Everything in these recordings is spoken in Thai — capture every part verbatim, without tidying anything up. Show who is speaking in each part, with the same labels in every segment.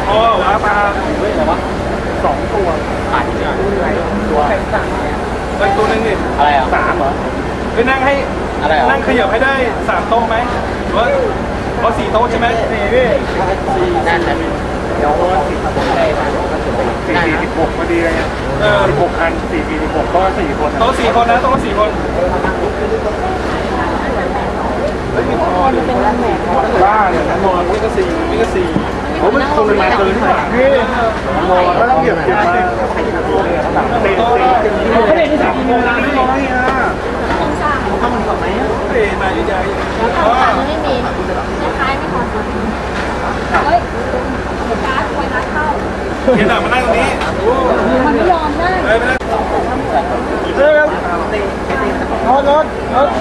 Speaker 1: อ๋อว่าปลาเฮ้ยอะไรวะสองตัวขายเนี่ยตัวไอ้ตัวนึงนี่อะไรอ่ะสามเหรอไปนั่งให้อะไรนั่งขยับให้ได้สามโต๊ะไหมหรือว่าเพราะสี่โต๊ะใช่ไหมสี่พี่สี่นั่นแหละเดี๋ยวสี่สี่สิบหกพอดีเลยเนี่ยเออสิบหกคันสี่สี่สิบหกโต๊ะสี่คนโต๊ะสี่คนนะโต๊ะสี่คนบ้าเนี่ยนอนนี่ก็สี่นี่ก็สี่ผมไม่คนมาเกินสามพี่นอนแล้วต้องเหยียบเหยียบมาเตะเตะไม่ได้ที่สามโมงไม่น้อยอ่ะข้าวมันก่อนไหมเตะมาใหญ่ๆอ๋อไม่มีไม่คล้ายไม่พอเฮ้ยการ์ดคอยนัดเข้าเห็นหนังมานั่งตรงนี้มันไม่ยอมนั่งเฮ้ยไม่ได้เฮ้ยรถรถรถ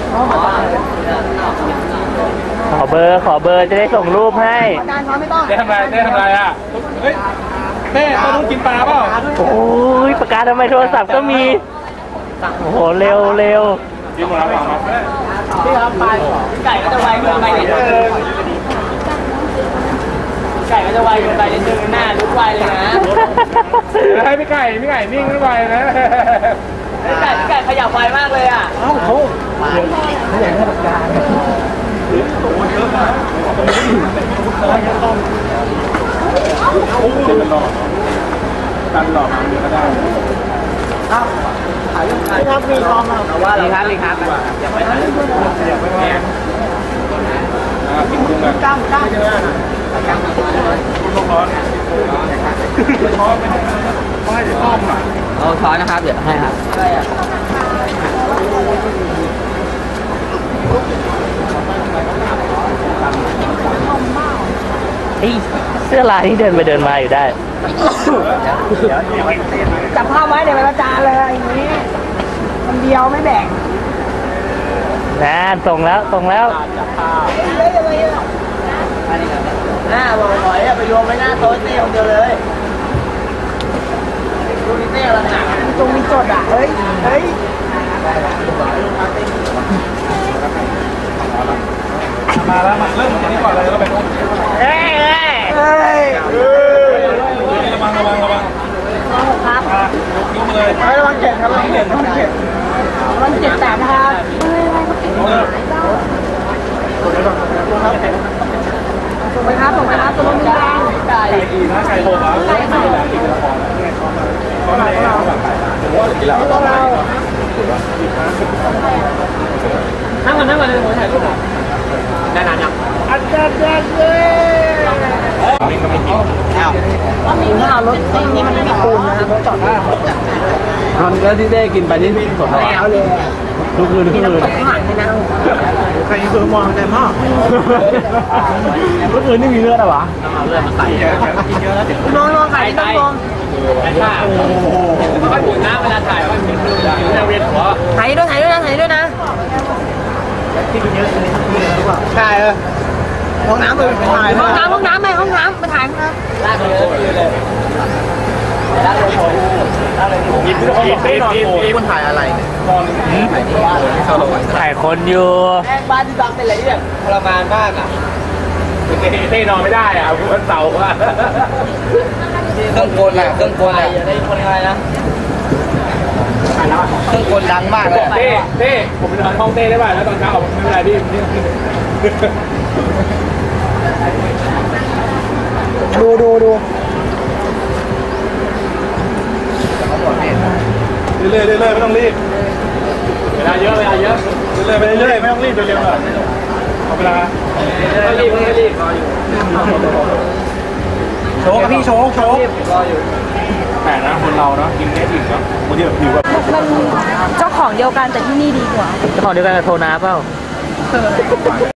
Speaker 2: ขอเบอร์ขอเบอร์จะได้ส่งรูปให้
Speaker 1: ได้ทำไรได้ทำไรอ่ะเฮ้ยแม่ตอนนู้นกินปลาเปล่า
Speaker 2: โอ้ยประกาศทำไมโทรศัพท์ก็มีโอ้โหเร็วเร็ว
Speaker 1: กินหมดแล้วเปล่ามา
Speaker 3: พี่ครับปลาไก่ก็จะไวเกินไปนิดนึงไก่ก็จะไวเกินไปนิดนึงหน้าลุกไวเลยนะ
Speaker 1: ให้พี่ไก่พี่ไก่นิ่งไม่ไวนะ
Speaker 3: พี่ไก่พี่ไก่ขยับไวมากเลยอ่ะ
Speaker 1: เอ้าเขาเขาอยากให้ประกาศโอ้เยอะนะโอ้ตันหลอดตันหลอดมาเยอะก็ได้
Speaker 3: ครับถ่ายยังไงครับมีคอมอ่ะว่ามีครับมีครับอย่าไปถ่าย
Speaker 1: อย่าไปแอบกินกุ้งกัน
Speaker 3: จ้างจ้าง
Speaker 1: กุ้งร้อนช้อนไม่ไม่จะต้มอ่ะ
Speaker 3: เอาช้อนนะครับเดี๋ยวให้ครับใช่อ่ะ
Speaker 2: เสื้อลายที่เดินไปเดินมาอยู่ได้
Speaker 3: จับภาพไว้เดี๋ยวไปประจานเลยอย่างนี้คนเดียวไม่แบ่ง
Speaker 2: นะส่งแล้วส่งแล้ว
Speaker 3: จับภาพหน้าบอยๆไปโยนไว้หน้าโต๊ะเต้คนเดียวเลยดูนี่เต้อะไรหนักตรงมีจดอ่ะเฮ้ยเฮ้ย
Speaker 1: มาแล้วมาเริ่มจากนี้ก่อนเลยแล้วไปนู้น
Speaker 3: เฮ้ยเฮ้ย
Speaker 1: ระวังระวังระวัง
Speaker 3: ครับ
Speaker 1: ยกเลย
Speaker 3: ระวังเจ็บครับระวังเจ็บระวังเจ็บระวังเจ็บแต่นะครับส่งไปครับส่งไปครับตัวนี้แรง
Speaker 1: ไก่ดีนะไก่โหดนะไก่โหดกินละครเขาไหนเราผมว่ากินแล้วต้องเรา
Speaker 3: นั่งก่อนนั่งก่อนเลยผมถ่ายรูปได้นานยัง
Speaker 1: อันเด็ดเด็ดเลยมิงก็ไม่กิน
Speaker 3: อ้าวมีหน้ารถนี่มันมีปูนนะครับรถจอดได้
Speaker 1: ตอนแล้วที่ได้กินไปนี่สด
Speaker 3: แล้วเลย
Speaker 1: ทุกคืนทุกคืนใครคือมองแต่หม้อทุกคืนนี่มีเลือดอะวะ
Speaker 3: เอาเลือดมาใส่เยอะกินเยอะแล้วเดี๋ยวน้องน้องใส่ต้องมองถ่ายไม่ค่อยหมุนนะเวลาถ่ายว่าเหมือนคือจะเวียนหัวถ่ายด้วยถ่ายด้วยนะถ่ายด้วยนะ
Speaker 1: ที่กินเยอะเลยหรือเปล่า
Speaker 3: ใช่เออห้องน้ำไปถ่ายห้องน้ำห้องน้ำไปห้องน้ำไปถ่ายครับลากเลยเลยลากเลยโชว์ลากเลย
Speaker 1: กินกินกินกินคนถ่ายอะไร
Speaker 2: ถ่ายที่บ้านถ่ายคนอยู่
Speaker 3: แม่บ้านที่บังเป็นอะไรที่แบบทรมานมากอ่ะ
Speaker 1: เต้นอนไม่ได้อ่ะวันเสาร์อ่ะ
Speaker 3: เครื่องกลอ่ะเครื่องกลอ่ะอย่าได้คนอะไรนะเครื่องกลดังมากเลย
Speaker 1: เต้เต้ผมไปนอนห้องเต้ได้ป่ะแล้วตอนเช้าผมไม่เป็นไรพี่
Speaker 3: ดูดูดู
Speaker 1: เรื่อยเรื่อยไม่ต้องรีบเวลาเยอะเวลาเยอะเรื่อยไปเรื่อยไม่ต้องรีบเร็วๆหน่อยเอาเวลา
Speaker 3: ไม่รีบไม่รีบรออยู่
Speaker 1: โชว์กับพี่โชว์โชว์รออยู่แต่นะคนเราเนาะกินได้ถึงเนาะคนที่แบบผิวแบบ
Speaker 4: มันเจ้าของเดียวกันแต่ที่นี่ดีกว่า
Speaker 2: เจ้าของเดียวกันกับโทนาเปล่า